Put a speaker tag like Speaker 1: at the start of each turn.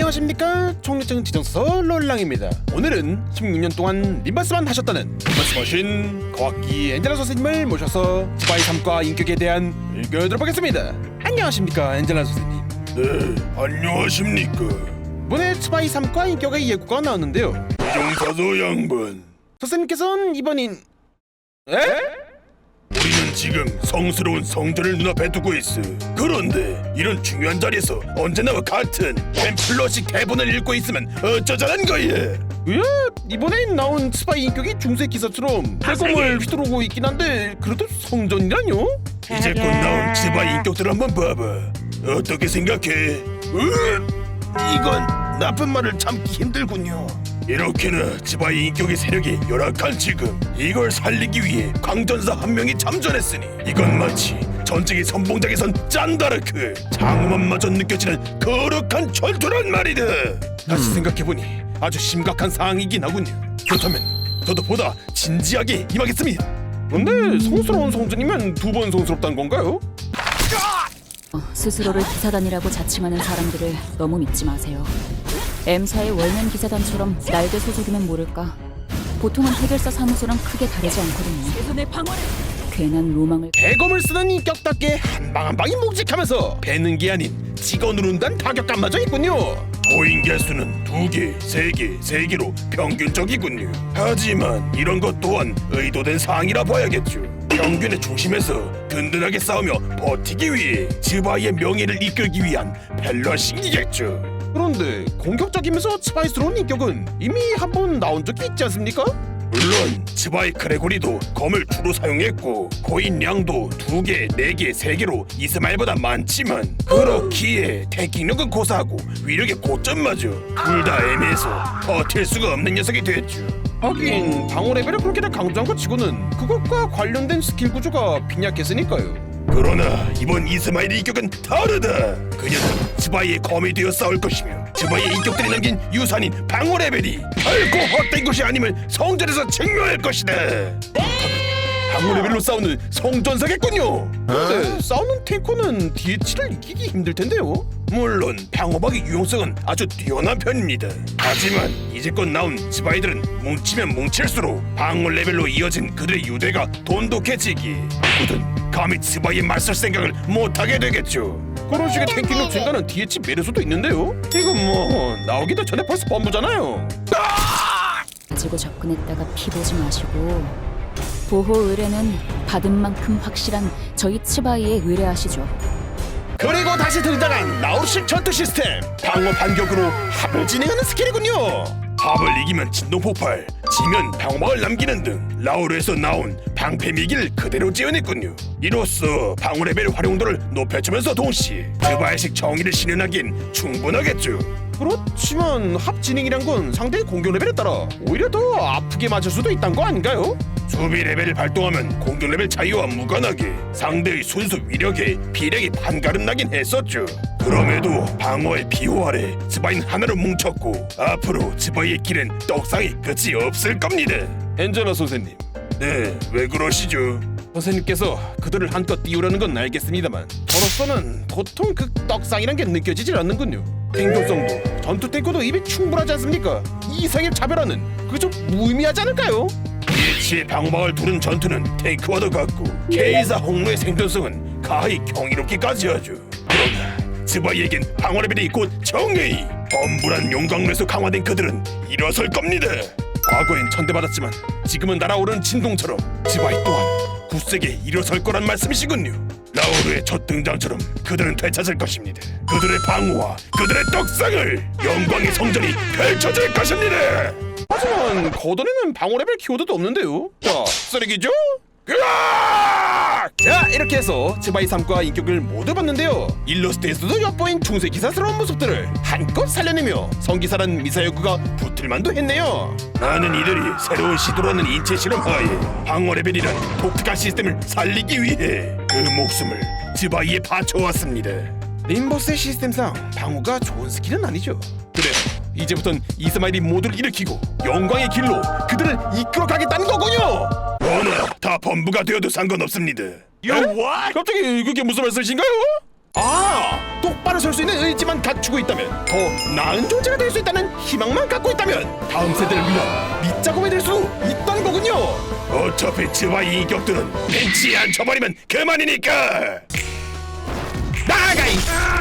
Speaker 1: 안녕하십니까, 총리증 지정서서 롤랑입니다. 오늘은 16년 동안 림바스만 하셨다는 림바스 머신 거학기 엔젤라 선생님을 모셔서 스파이 3과 인격에 대한 의견을 들어보겠습니다. 안녕하십니까, 엔젤라 선생님.
Speaker 2: 네, 안녕하십니까.
Speaker 1: 이번에 스파이 3과 인격의 예고가 나왔는데요,
Speaker 2: 지정사서 양반,
Speaker 1: 선생님께서는 이번인
Speaker 2: 우리는 지금 성스러운 성전을 눈앞에 두고 있어. 그런데 이런 중요한 자리에서 언제나 같은 템플러식 대본을 읽고 있으면 어쩌자는 거야.
Speaker 1: 이번에 나온 스파이 인격이 중세 기사처럼 빼꼼을 휘두르고 있긴 한데 그래도 성전이라뇨?
Speaker 2: 이제 곧 나온 스파이 인격들 한번 봐봐. 어떻게 생각해? 이건 나쁜 말을 참기 힘들군요. 이렇게나 스파이 인격의 세력이 열악한 지금 이걸 살리기 위해 강전사 한 명이 참전했으니 이건 마치 전쟁의 선봉장에선 짠다르크 장엄함마저 느껴지는 거룩한 전투란 말이다. 다시 생각해보니 아주 심각한 상황이긴 하군요. 그렇다면 저도 보다 진지하게 임하겠습니다.
Speaker 1: 근데 성스러운 성전이면 두 번 성스럽다는 건가요?
Speaker 3: 스스로를 기사단이라고 자칭하는 사람들을 너무 믿지 마세요. M사의 월면 기사단처럼 날개 소속이면 모를까. 보통은 해결사 사무소랑 크게 다르지 않거든요. 최선의 방어를. 괜한 로망을.
Speaker 1: 대검을 쓰는 인격답게 한 방 한 방이 묵직하면서 베는 게 아닌 찍어 누른다는 타격감마저 있군요.
Speaker 2: 고인 개수는 2개, 3개, 3개로 평균적이군요. 하지만 이런 것 또한 의도된 사항이라 봐야겠죠. 평균의 중심에서 든든하게 싸우며 버티기 위해 즈바이의 명예를 이끌기 위한 밸런싱이겠죠.
Speaker 1: 그런데 공격적이면서 스파이스러운 인격은 이미 한 번 나온 적이 있지 않습니까?
Speaker 2: 물론 즈바이 크레고리도 검을 주로 사용했고 고인 양도 2개, 4개, 3개로 이스마일보다 많지만 그렇기에 태킹력은 고사하고 위력의 고점마저 둘 다 애매해서 버틸 수가 없는 녀석이 됐죠.
Speaker 1: 하긴 방어 레벨을 그렇게나 강조한 것 치고는 그것과 관련된 스킬 구조가 빈약했으니까요.
Speaker 2: 그러나 이번 이스마일의 인격은 다르다. 그녀는 즈바이의 검이 되어 싸울 것이며 즈바이의 인격들이 남긴 유산인 방어 레벨이 결코 헛된 것이 아님을 성전에서 증명할 것이다.
Speaker 1: 방어 레벨로 싸우는 성전사겠군요. 근데 싸우는 탱커는 DH를 이기기 힘들 텐데요.
Speaker 2: 물론 방어막의 유용성은 아주 뛰어난 편입니다. 하지만 이제껏 나온 즈바이들은 뭉치면 뭉칠수록 방어 레벨로 이어진 그들의 유대가 돈독해지기 누구든 감히 즈바이에 맞설 생각을 못하게 되겠죠.
Speaker 1: 그런 식의 탱킹력 증가는 DH 메르소도 있는데요. 이건 뭐 나오기도 전에 벌써 범부잖아요.
Speaker 3: 가지고 접근했다가 피 보지 마시고 보호 의뢰는 받은 만큼 확실한 저희 츠바이에 의뢰하시죠.
Speaker 1: 그리고 다시 등장한 나우르식 전투 시스템, 방어 반격으로 합을 진행하는 스킬이군요.
Speaker 2: 합을 이기면 진동 폭발, 지면 방어막을 남기는 등 라우르에서 나온 방패 미기를 그대로 지어냈군요. 이로써 방어 레벨 활용도를 높여주면서 동시에 즈바이식 정의를 실현하기엔 충분하겠죠.
Speaker 1: 그렇지만 합 진행이란 건 상대의 공격 레벨에 따라 오히려 더 아프게 맞을 수도 있다는 거 아닌가요?
Speaker 2: 수비 레벨을 발동하면 공격 레벨 차이와 무관하게 상대의 순수 위력에 비력이 반가름 나긴 했었죠. 그럼에도 방어의 비호 아래 즈바이는 하나로 뭉쳤고 앞으로 즈바이의 길엔 떡상이 끝이 없을 겁니다.
Speaker 1: 엔젤라 선생님,
Speaker 2: 네, 왜 그러시죠?
Speaker 1: 선생님께서 그들을 한껏 띄우려는 건 알겠습니다만 저로서는 도통 그 떡상이란 게 느껴지질 않는군요. 생존성도 전투 탱커도 입이 충분하지 않습니까? 이 이상의 차별화는 그저 무의미하지 않을까요?
Speaker 2: DH의 방어막을 두른 전투는 탱크와도 같고 K사 홍로의 생존성은 가히 경이롭기까지 하죠. 그러나 즈바이에겐 방어 레벨이 곧 정의, 엄불한 용광로에서 강화된 그들은 일어설 겁니다.
Speaker 1: 과거엔 천대받았지만 지금은 날아오르는 진동처럼 즈바이 또한 굳세게 일어설 거란 말씀이시군요.
Speaker 2: 라우르의 첫 등장처럼 그들은 되찾을 것입니다. 그들의 방어와 그들의 떡상을 영광의 성전이 펼쳐질 것입니다.
Speaker 1: 하지만 거던에는 방어 레벨 키워드도 없는데요. 자, 쓰레기죠?
Speaker 2: 으악!
Speaker 1: 자, 이렇게 해서 즈바이 3과 인격을 모두 봤는데요. 일러스트에서도 엿보인 중세 기사스러운 모습들을 한껏 살려내며 성기사란 미사여구가 붙을만도 했네요.
Speaker 2: 나는 이들이 새로운 시도라는 인체 실험하에 방어 레벨이란 독특한 시스템을 살리기 위해 그 목숨을 즈바이에 바쳐왔습니다.
Speaker 1: 림버스의 시스템상 방어가 좋은 스킬은 아니죠. 그래, 이제부턴 이스마일이 모두를 일으키고 영광의 길로 그들을 이끌어가겠다는 거군요.
Speaker 2: 어나 다 범부가 되어도 상관없습니다.
Speaker 1: 갑자기 그게 무슨 말씀이신가요? 아, 똑바로 똑바로 설 수 있는 의지만 갖추고 있다면, 더 나은 존재가 될 수 있다는 희망만 갖고 있다면 다음 세대를 위한 밑작업이 될 수 있다는 거군요.
Speaker 2: 어차피 츠바이 인격들은 벤치에 앉혀버리면 그만이니까.
Speaker 1: 나가이!